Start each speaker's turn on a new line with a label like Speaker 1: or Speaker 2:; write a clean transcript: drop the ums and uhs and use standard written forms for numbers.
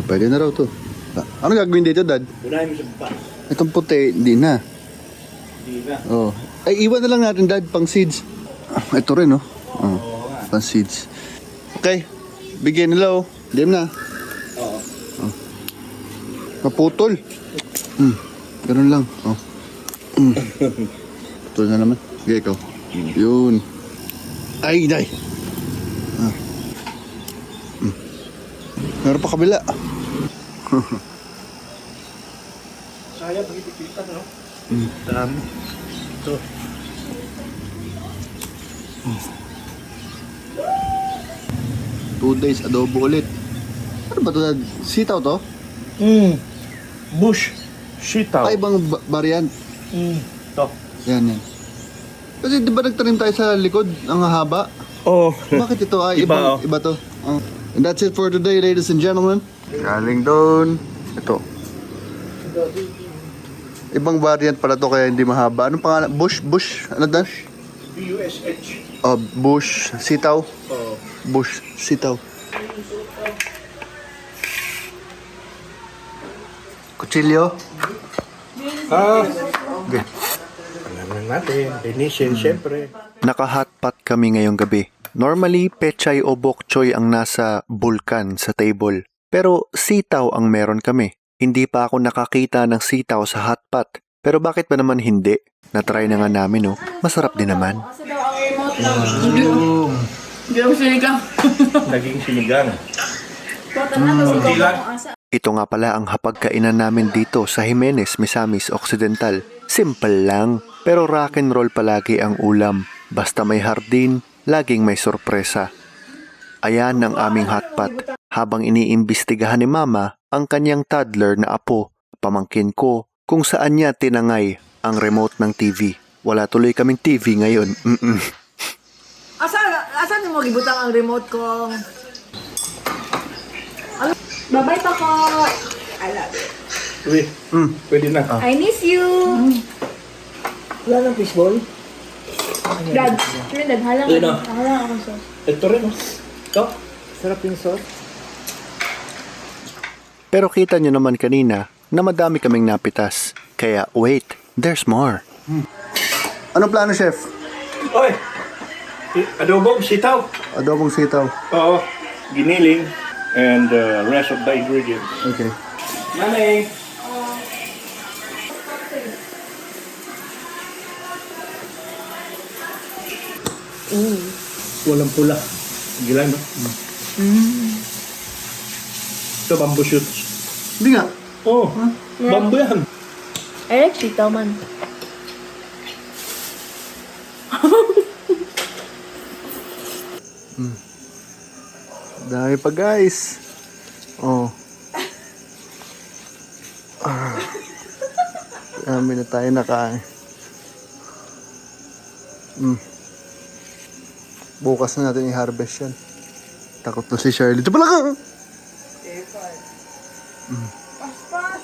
Speaker 1: Pwede na raw to. Ano gagawin dito, Dad?
Speaker 2: Unahin mo sa baba.
Speaker 1: Itong puti, hindi na.
Speaker 2: Hindi na.
Speaker 1: Oh. Ay, iwan na lang natin, Dad, pang seeds. Ito rin, oh. Oh,
Speaker 2: Oo nga.
Speaker 1: pang seeds. Okay. Bigyan nila, oh. Diyan na.
Speaker 2: Oo.
Speaker 1: Oh. Naputol. Ganun lang. Oh. Putol na naman. Sige, ikaw. Yun. Ay, day. Meron pa kabila.
Speaker 2: Sayang, pag-ipikita, no? Dami. Ito.
Speaker 1: 2 days adobo ulit. Ano ba ito? Sitaw to?
Speaker 2: Bush. Sitaw.
Speaker 1: Ay, ibang variant.
Speaker 2: Ito.
Speaker 1: Yan, yan. Kasi di ba nagtanim tayo sa likod? Ang haba.
Speaker 2: Oo.
Speaker 1: Bakit ito ay
Speaker 2: Iba,
Speaker 1: iba to? Oh. And that's it for today, ladies and gentlemen. Galing doon. Ito. Ibang variant pala to kaya hindi mahaba. Anong pangalan? Bush? Ano dan?
Speaker 2: BUSH.
Speaker 1: Oh, bush. Sitaw.
Speaker 2: Oo.
Speaker 1: Bush. Sitaw. Kutsilyo. Okay.
Speaker 2: Ano natin? Linisin, syempre.
Speaker 3: Naka-hotpot kami ngayong gabi. Normally, pechay o bok choy ang nasa bulkan sa table. Pero sitaw ang meron kami. Hindi pa ako nakakita ng sitaw sa hotpot. Pero bakit ba naman hindi? Natry na nga namin, oh. Masarap din naman.
Speaker 4: Kasi daw ang remote lang. Hindi ako sinigang.
Speaker 2: Naging sinigang.
Speaker 4: Kota na kasi
Speaker 2: Hindi lang.
Speaker 4: kung asa.
Speaker 3: Ito nga pala ang hapagkainan namin dito sa Jimenez, Misamis Occidental. Simple lang, pero rock and roll palagi ang ulam. Basta may hardin, laging may sorpresa. Ayan ang aming hotpot. Habang iniimbestigahan ni Mama ang kanyang toddler na apo, pamangkin ko kung saan niya tinangay ang remote ng TV. Wala tuloy kaming TV ngayon.
Speaker 4: Asan mo gibutang ang remote ko? Ano? Babay pa ko. I love you.
Speaker 2: Uy, pwede na.
Speaker 4: I miss you.
Speaker 2: Wala ng fishball?
Speaker 4: Dad, Dad, halang
Speaker 2: Ayun na.
Speaker 4: ako sa.
Speaker 2: Ito rin, oh. Ito. Sarap yung sauce.
Speaker 3: Pero kita nyo naman kanina na madami kaming napitas. Kaya wait, there's more.
Speaker 1: Anong plano, Chef?
Speaker 2: Oy! Adobong sitaw.
Speaker 1: Adobong sitaw.
Speaker 2: Oo. Giniling. And rest of the ingredients.
Speaker 1: Okay.
Speaker 2: Nanay! Walang pula. Gilang, no? Ito, bamboo shoots.
Speaker 1: Hindi nga.
Speaker 2: Oh, bamboo yan.
Speaker 4: I like sitaw man.
Speaker 1: Dami pa, guys. Oh. Dami na tayo nakain. Bukas na natin i-harvest yan. Takot na si Shirley. Ito pala ka!
Speaker 4: Paspas!